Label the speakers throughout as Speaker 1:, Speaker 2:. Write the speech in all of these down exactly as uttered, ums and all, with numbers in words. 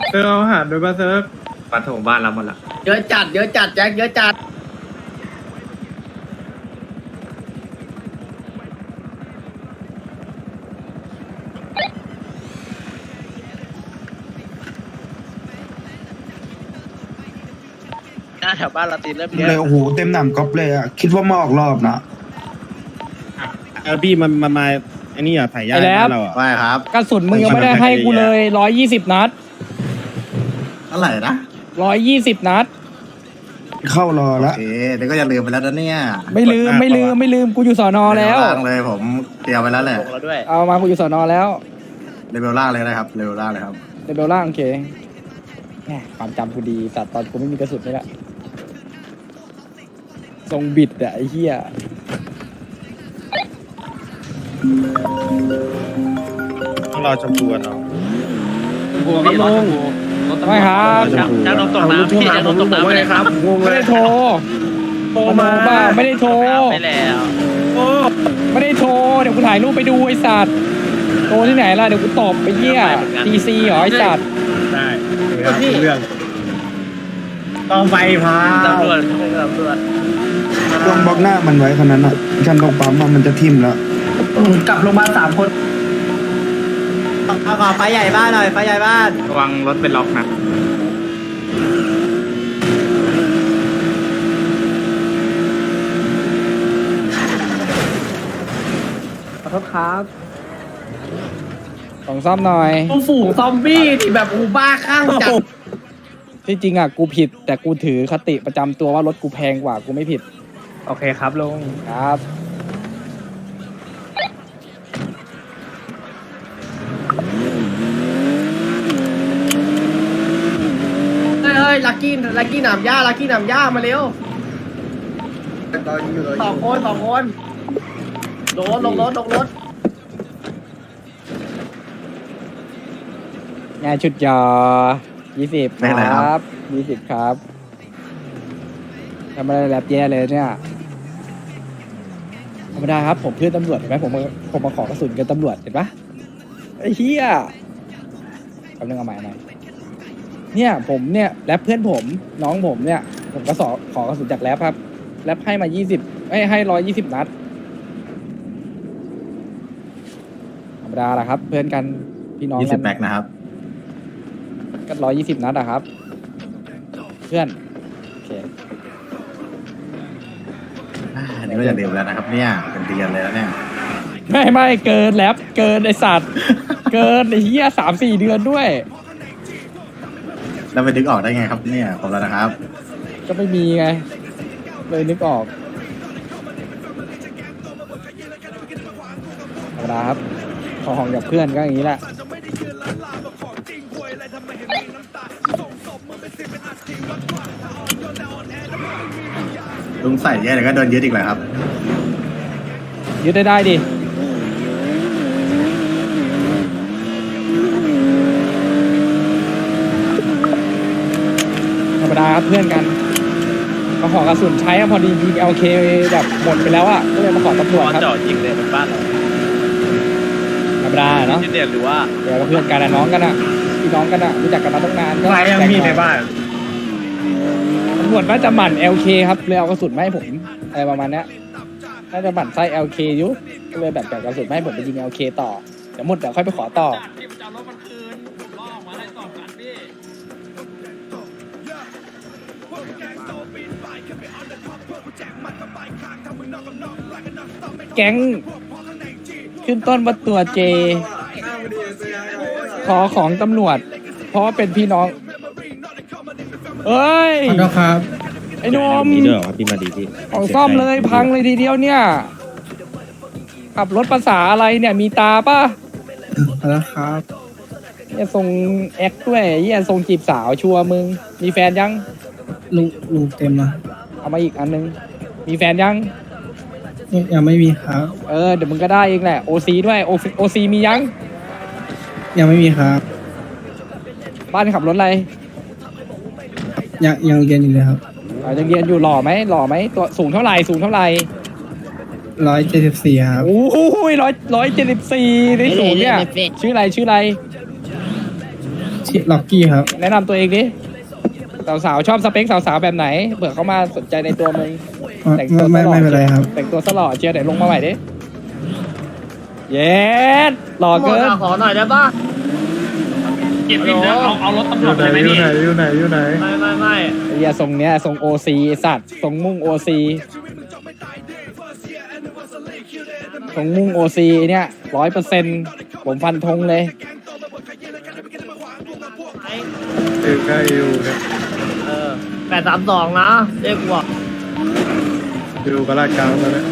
Speaker 1: เซิร์ฟเอาอาหารด้วยป่ะเซิร์ฟปลาถงบ้านเราหมดละ
Speaker 2: เยอะจัดเยอะจัดแจ็คเยอะจัด
Speaker 3: หน้าแถวบ้านเราตีเริ่มเย
Speaker 4: เลย
Speaker 3: อะ
Speaker 4: โอ้โหเต็มหนำก๊อปเลยอ่ะคิดว่ามาออกรอบนะ
Speaker 5: เออพี่มันมันมาไอ้นี่อ่ะถ่ายยา
Speaker 6: ไอ้แล้
Speaker 5: บ้าว นเราอ่ะ
Speaker 7: ว่าครับ
Speaker 6: กระสุนมึงยังไม่ได้ให้กูเลยร้อยยี่สิบนัด
Speaker 7: เท่าไหร่นะ
Speaker 6: ร้อยยี่สิบนัด
Speaker 4: เข้ารอ
Speaker 7: โอ
Speaker 4: ละ
Speaker 7: เคเดี๋ยวก็อย่าลืมไปแล้วนะเนี่ย
Speaker 6: ไม่ลืมไม่ลืมไม่ลืมกูอยู่สอนอแล้ว
Speaker 7: เรเบล่างเลยผมเตรียมไปแล้วแหละ
Speaker 3: ลงแล้วด้วย
Speaker 6: เอามากูอยู่สอนอแล้ว
Speaker 7: เลเวลล่างเลยนะครับเลเวลล่างเลยครับ
Speaker 6: เดเบลล่างโอเคแหมความจำกูดีสัตว์ตอนกูไม่มีกระสุนนี่แหละทรงบิดอะไอ้เหี้ย
Speaker 5: ต้องรอชมพูกันเนาะ
Speaker 1: บัวครับลุง
Speaker 6: ไม่ครับ
Speaker 5: ชมพู
Speaker 3: จ้างลงตกน้ำพี่จ้างลงตกน้ำไปเลยครับ
Speaker 1: งง
Speaker 6: ไม่
Speaker 1: เลย
Speaker 6: ได้โทร
Speaker 1: โทรมา
Speaker 6: บ้าไม่ได้โทร
Speaker 3: ไปแล้ว
Speaker 1: โอ้
Speaker 6: ไม่ได้โทรเดี๋ยวกูถ่ายรูปไปดูไอ้สัตว์โทรที่ไหนล่ะเดี๋ยวกูตอบไปเหี้ยทีซีเหรอไอ้สัตว์
Speaker 1: ได้ครับเรื่องต้องไปพา
Speaker 3: ตำรวจตำรวจ
Speaker 4: ต้องบล็อกหน้ามันไว้คนนั้นอ่ะฉันตรงปั๊มอะมันจะทิ่มแล้ว
Speaker 2: กลับลงมาสามคน
Speaker 7: เอาขอไฟใหญ่บ้านหน่อยไฟใหญ่บ้าน
Speaker 1: ระวังรถเป็นล็อกนะ
Speaker 2: ขอโทษครับ
Speaker 6: ของซ่อมหน่อย
Speaker 2: ฝูงซอมบี้ที่แบบอูบ้าข้างจัด
Speaker 6: ที่จริงอ่ะกูผิด แต่กูถือคติประจำตัวว่ารถกูแพงกว่ากูไม่ผิด
Speaker 1: โอเคครับลุง
Speaker 6: ครับ
Speaker 2: เฮ้ยเฮ้ยลักกี้ลักกี้หนามหญ้าลักกี้หนามหญ้ามาเร็วสองคนสองคนลงรถลงรถลงรถ
Speaker 6: งานชุดยอยี่สิบครับยี่สิบครับทำอะไรแลบแย่เลยเนี่ยธรรมดาครับผมเพื่อนตำรวจเห็นไหมผมมาผมมาขอกระสุนกับตำรวจเห็นปะไอ้เหี้ยคำนึงเอาใหม่หน่อยเนี่ยผมเนี่ยแรปเพื่อนผมน้องผมเนี่ย ผมก็สอขอกระสุนจากแรปครับแรปให้มายี่สิบให้ให้ร้อยยี่สิบนัดธรรมดาแหละครับ เพื่อนกันพี่น้อง
Speaker 7: ยี่
Speaker 6: กั
Speaker 7: สิบแบ็กนะครับ
Speaker 6: ก็ร้อยยี่สิบนัดอะครับ เพื่อนโอเค
Speaker 7: อ่าอันนี้ก็อย่าลืมแล้วนะครับ เนี่ยเป็นเดือนเลยแล้วเนี่ย
Speaker 6: ไม่ไม่เกินแลบเกินไอสัตว์ เกินไอเหี้ยสามสี่เดือนด้วย
Speaker 7: แล้วไปดึกออกได้ไงครับเนี่ยขอบแล้วนะครับ
Speaker 6: ก็ไม่มีไง เลยนึกออกธรรมดาครับขอของกับเพื่อนก็อย่างนี้แหละ
Speaker 7: ลุงใส่เยอะเดี๋ยวก็โดนยึดอีกแหละครับ
Speaker 6: ยึดได้ได้ดิธรรมดาครับเพื่อนกันมาขอกระสุนใช้อะพอดียิงเอลเคแบบหมดไปแล้วอ่ะก็เลยมาขอตำรวจครับ
Speaker 3: เจาะยิงเลยเป็นบ้านเรา
Speaker 6: ธรรมดาเนาะ
Speaker 3: ที่เดียหรือว่า
Speaker 6: เดี๋ยวเพื่อนกันอะน้องกันอะพี่น้องกันอะรู้จักกันมาตั้งนานก็
Speaker 1: ใครยังมีในบ้าน
Speaker 6: ตำรวจน่าจะหมั่น แอล เค ครับเลยเอากระสุนมาให้ผมอะไรประมาณเนี้ยน่าจะหมั่นไส้ แอล เค อยู่ก็เลยแบบแบ่งกระสุนมาให้ผมไปยิง แอล เค ต่อเดี๋ยวหมดเดี๋ยวค่อยไปขอต่อแก๊งขึ้นต้นว่าตัวเจ ขอของตำรวจ เพราะว่าเป็นพี่น้อง เอ้ย
Speaker 5: ขอโทษครับ
Speaker 6: ไอ้หนม
Speaker 5: มีด้วยเหรอครับพี่มาดีพี่
Speaker 6: ของซ่อมเลยพังเลยทีเดียวเนี่ย ขับรถภาษาอะไรเนี่ยมีตาป่ะ
Speaker 5: แล้วครับ
Speaker 6: เนี่ยทรงแอคด้วยเหี้ยทรงจีบสาวชัวร์มึง มีแฟนยัง
Speaker 5: ลุงลุงเต็มนะ
Speaker 6: เอามาอีกอันนึง มีแฟนยัง
Speaker 5: ยังไม่มีครับ
Speaker 6: เออเดี๋ยวมึงก็ได้เองแหละโอซีด้วยโอซีมียัง
Speaker 5: ยังไม่มีครับ
Speaker 6: บ้านขับรถอะไร
Speaker 5: ยังยังเรียนอยู่เลยครับ
Speaker 6: อ่ายังเรียนอยู่หล่อไหมหล่อไหมตัวสูงเท่าไหร่สูงเท่าไหร่
Speaker 5: ร้อยเจ็ดสิบสี่ครับ
Speaker 6: โอ้ยร้อยร้อยเจ็ดสิบสี่ในสูงเนี่ย ชื่ออะไรชื่ออะไร
Speaker 4: ลักกี้ครับ
Speaker 6: แนะนำตัวเองดิสาวๆชอบสเปคสาวๆแบบไหนเผื่อเขามาสนใจในตัวมึงแต่งตัว
Speaker 4: ไม่
Speaker 6: ตลอด
Speaker 4: ไม่เป็นไรครับ
Speaker 6: แต่งตัวสลอดเชียร์ไหนลงมาใหม่ดิเย็ดหล่อ
Speaker 2: หมด
Speaker 6: เกิน
Speaker 2: อะขอหน่อยได้ปะ
Speaker 1: เก็บบินนะเอาเอารถตำรวจไปไหมพี่อยู่ไหนอยู่ไหน
Speaker 2: ไม่ไม่ไม่
Speaker 6: ไอ้เหี้ยทรงเนี้ยทรงโอซีสัตว์ทรงมุ่งโอซีทรงมุ่งโอซีเนี่ยร้อยเปอร์เซ็นต์ผมฟันธงเลย
Speaker 1: เออใกล้อยู่เนี่ย
Speaker 2: เออแปดสามสองนะเรียกว่า
Speaker 1: อยู่กระลาดกลางแล้วเนี่ย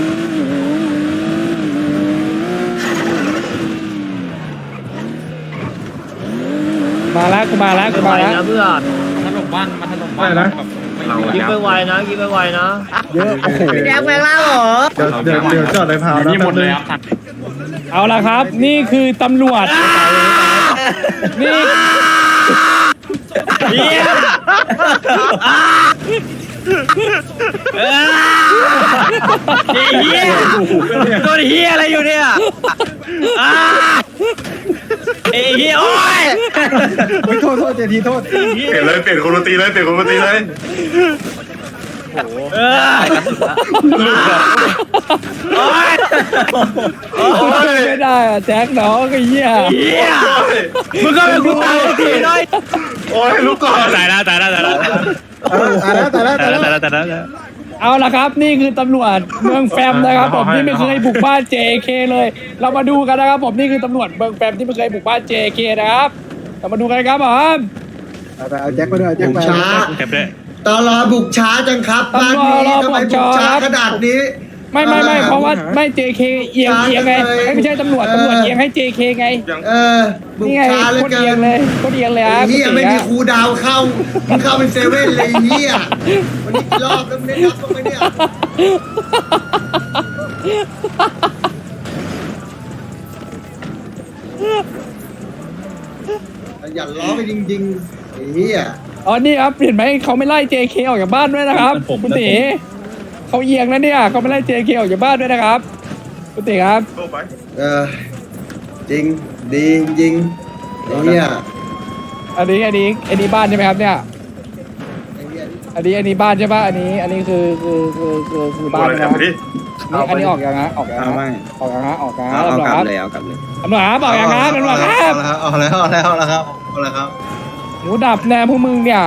Speaker 6: มาแล้วกูมาแล้วกู
Speaker 2: ไป
Speaker 6: มาแล้ว
Speaker 2: นะเพื่อน
Speaker 1: ถล่มบ้านมาถล่มบ้านนะ
Speaker 2: ยิงไปไวนะยิงไปไวนะ
Speaker 6: เยอะโอ้โห
Speaker 2: พี่แดงแปลงร่างเหรอ
Speaker 1: เดี๋ยวเดี๋ยวเดี๋ยวจอดในพาวนะหมดเลยครับ
Speaker 6: เอาละครับ นี่คือตำรวจนี่
Speaker 3: เฮียเฮียโดนเฮียอะไรอยู่เนี่ยอ่าเอ้เฮียโอ้ย
Speaker 4: โทษโทษเจทีโทษ
Speaker 8: เปลี่ยนเลยเปลี่ยนคนดนตรีเลยเปลี่ยนคนดนตรีเลย
Speaker 3: เออโอ้ย
Speaker 6: โอ้ยไม่ได้อะแจ็คน้องไอ้เหี้ย
Speaker 3: เฮียมึงก็เป็นกูตายทีน้อย
Speaker 8: โอ้ยลูกก่อน
Speaker 3: ตายแล้วตายแล้วตายแล้ว
Speaker 4: ตายแล้วตายแล้วตายแล้ว
Speaker 3: ตายแล้วตายแล้ว
Speaker 6: เอาละครับ นี่คือตำรวจเมืองแฟมนะครับผมที่ไม่เคยบุกบ้าน เจ เค เลย เรามาดูกันนะครับผมนี่คือตำรวจเมืองแฟมที่ไม่เคยบุกบ้าน เจ เค นะครับเรามาดูกันครับผม
Speaker 4: เอาแจ็คมาด้วยแจ็คมา
Speaker 9: ช้า
Speaker 3: เก็บด้วย
Speaker 9: ตอนรอบุกช้าจังครับบ้านนี้ทำไมบุกช้าขนาดนี้
Speaker 6: ไม่ไม่ไม่เพราะว่าไม่ เจ เค เอียงเอียงไงไม่ไม่ใช่ตำรวจตำรวจเอียงให้ เจ เค ไง
Speaker 9: เออ บุก
Speaker 6: นี่ไง
Speaker 9: ช้าเหลย
Speaker 6: โคตร
Speaker 9: เกิ
Speaker 6: เอียง
Speaker 9: น
Speaker 6: เลยโคตรเอียงเลยครับ
Speaker 9: เฮียไม่มีครูดาวเข้ามึงเข้าเป็นเซเว่นเลยเฮียวันนี้รอบแล้วมึงได้รับบ้างไหมเนี่ยอย่าล้อไปจริงๆเฮีย
Speaker 6: อ๋อนี่ครับเห็นไหมเขาไม่ไล่ เจ เค ออกจากบ้านด้วยนะครับคุณตีเขาเอียงนะเนี่ยเขาไม่ไล่ เจ เค ออกจากบ้านด้วยนะครับคุณตีครับ
Speaker 9: เออจริงดีจริงเฮีย
Speaker 6: อันนี้อันนี้อันนี้บ้านใช่ไหมครับเนี่ย อันนี้อันนี้บ้านใช่ปะอันนี้อันนี้คือคือคือคือคือบ้าน
Speaker 8: อะไร
Speaker 6: นะ
Speaker 8: ทำไปดิ
Speaker 6: นี่อันนี้ออกยังฮะออกยัง
Speaker 4: เอา
Speaker 6: ฮะ
Speaker 4: ไม่
Speaker 6: ออกยังฮะออกยังฮะ
Speaker 7: เอาเอา
Speaker 6: ตำรวจ
Speaker 7: กลั
Speaker 6: ครับ บ
Speaker 7: เลยเอากลับเลย
Speaker 6: ตำรวจครับออกยังครับตำรวจครับ
Speaker 9: เอาแล้วเอาแล้วเอาแล้วครับเอาแล้วครับ
Speaker 6: หมูดับแน่พวกมึงเนี่ย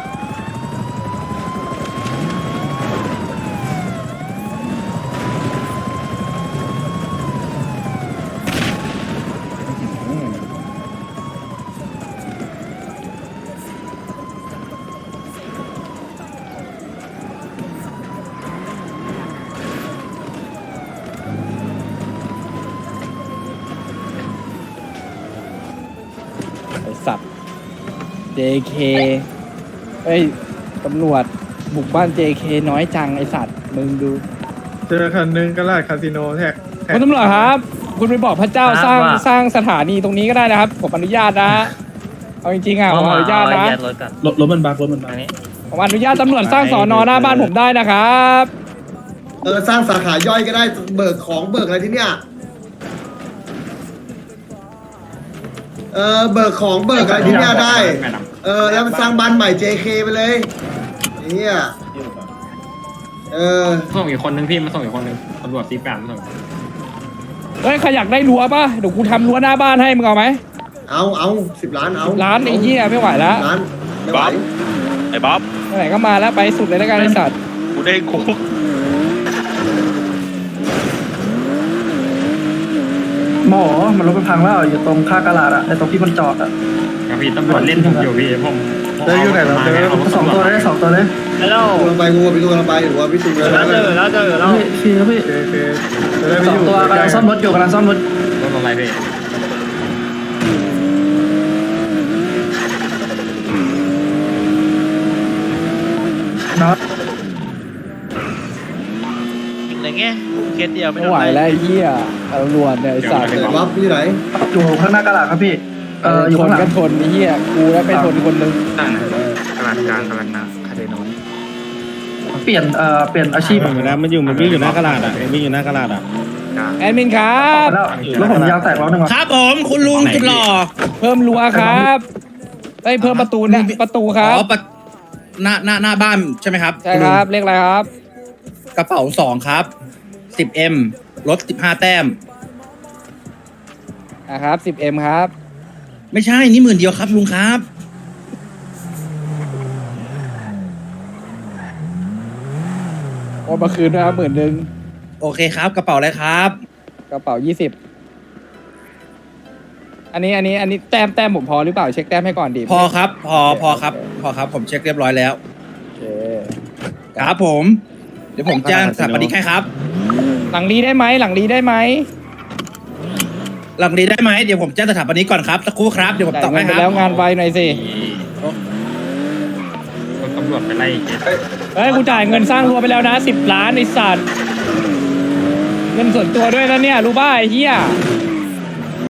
Speaker 6: ไอสัตว์ เจ เค เอ้ยตำรวจบุกบ้าน เจ เค น้อยจังไอสัตว์มึงดู
Speaker 1: เจอคันนึงกระลาดคาสิโนแท็ก
Speaker 6: คุณตำรวจครับ คุณไปบอกพระเจ้าสร้างสร้างสถานีตรงนี้ก็ได้นะครับผมอนุญาตนะเอาจริงๆอ่ะผมอนุญาตนะ
Speaker 5: รถรถมันบักรถมันบัก
Speaker 6: ผมอนุญาตตำรวจสร้างสอนอหน้าบ้านผมได้นะครับ
Speaker 9: เออสร้างสาขาย่อยก็ได้เบิกของเบิกอะไรที่เนี้ยเออเบิกของเบิกอะไรที่เนี้ยได้ เออแล้วมันสร้างบ้านใหม่ เจ เค ไปเลยเฮียเออ
Speaker 1: ส่งอีกคนนึงพี่มาส่งอีกคนนึงตำรวจตีแปดมาส่ง
Speaker 6: เฮ้ยใครอยากได้รั้วป่ะเดี๋ยวกูทำรั้วหน้าบ้านให้มึงเอาไหม
Speaker 9: เอาเอาสิบล้านเอา
Speaker 6: ร้านไอ้เหี้ยไม่ไหวแล้ว
Speaker 9: ล้านไม่ไหว
Speaker 3: ไอ้บ๊อบ
Speaker 6: ไหนก็มาแล้วไปสุดเลยแล้วกันไอสัตว์
Speaker 3: กูได้คุก
Speaker 10: หมอมันรถมันพังแล้วอยู่ตรงข้างกระลาดอะในตรงที่มันจอดอะพี่ตำรวจเล่นผมอยู่พี่ผมเจออยู่ไหนเราเจอสองตัวเลยสองตัวเลย
Speaker 2: ฮัลโหล
Speaker 9: กูลงไปกูไปดูลงไปหรือว่าพี่สุกเลย
Speaker 2: แล้วเจอแล้วเจอแล้ว
Speaker 10: พี่พี่พี่สองตัวกำลังซ่อมรถอยู่กำลังซ่อมรถ
Speaker 1: รถอะไรพี่
Speaker 10: น็อต
Speaker 3: ยิงอะไรเงี้ยเคสเดียวไม่
Speaker 6: ไม่
Speaker 3: โดน
Speaker 6: ไหว
Speaker 3: อะไร
Speaker 6: แล้วไอ้เหี้ยตำรวจเนี่ยไอสัตว์
Speaker 9: เดี๋ยววับที่ไหน
Speaker 10: อยู่ข้างหน้ากระลาดครับพี่เอออยู่
Speaker 6: ท
Speaker 10: ข้าน งหลั
Speaker 6: ก็
Speaker 10: ง
Speaker 6: ทนไอ้เหี้ยกูแล้วไปทนคนนึง
Speaker 1: กระลาดกลางกระลาดหน้าคาเดโน
Speaker 10: เปลี่ยนเอ่อเปลี่ยนอาชีพ
Speaker 5: มันอยู่นะมันอยู่มันวิ่งอยู่หน้ากระดาษอ่ะวิ่งอยู่หน้ากระดาษอ่ะ
Speaker 6: แอดมินครับ
Speaker 10: แล้วรถผมยาวแตกล้อหนึ่ง
Speaker 5: ครับผมคุณลุงจุดหล่อ
Speaker 6: เพิ่มรั้วครับเอ้ยเพิ่มประตูเนี่ยประตูครับ
Speaker 3: อ๋อประหน้าหน้าหน้าบ้านใช่ไหมครับ
Speaker 6: ใช่ครับเลขอะไรครับ
Speaker 3: กระเป๋าสองครับสิบเอ็มลดสิบห้าแต้ม
Speaker 6: อ่ะครับสิบเอ็มครับ
Speaker 3: ไม่ใช่นี่หมื่นเดียวครับลุงครับ
Speaker 6: โอนมาคืนนะครับหมื่นหนึ่ง
Speaker 3: โอเคครับกระเป๋าอะไรครับ
Speaker 6: กระเป๋ายี่สิบอันนี้อันนี้อันนี้แต้มแต้มผมพอหรือเปล่าเช็คแต้มให้ก่อนดี
Speaker 3: พอครับ พอพอครับพอครับผมเช็คเรียบร้อยแล้ว
Speaker 6: โอเค
Speaker 3: ครับผม เดี๋ยวผมแจ้งสถาปนิกให้ครับ
Speaker 6: หลังรีได้ไหมหลังรีได้ไหม
Speaker 3: หลังนี้ได้ไหมเดี๋ยวผมแจ้งสถาปนิกก่อนครับสักครู่ครับเดี๋ยวผม
Speaker 6: จ่าย
Speaker 3: ตอบ
Speaker 6: เงิ
Speaker 3: ให้
Speaker 6: น
Speaker 3: ค
Speaker 6: ไป
Speaker 3: รับ
Speaker 6: แล้วงานไวหน่อยสิ
Speaker 1: ตำรวจไปไล่
Speaker 6: เฮ้ยกูจ่ายเงินสร้างรั้วไปแล้วนะสิบล้านไอ้สัตว์เงินส่วนตัวด้วยนะเนี่ยรู้ป่ะไอ้เหี้ย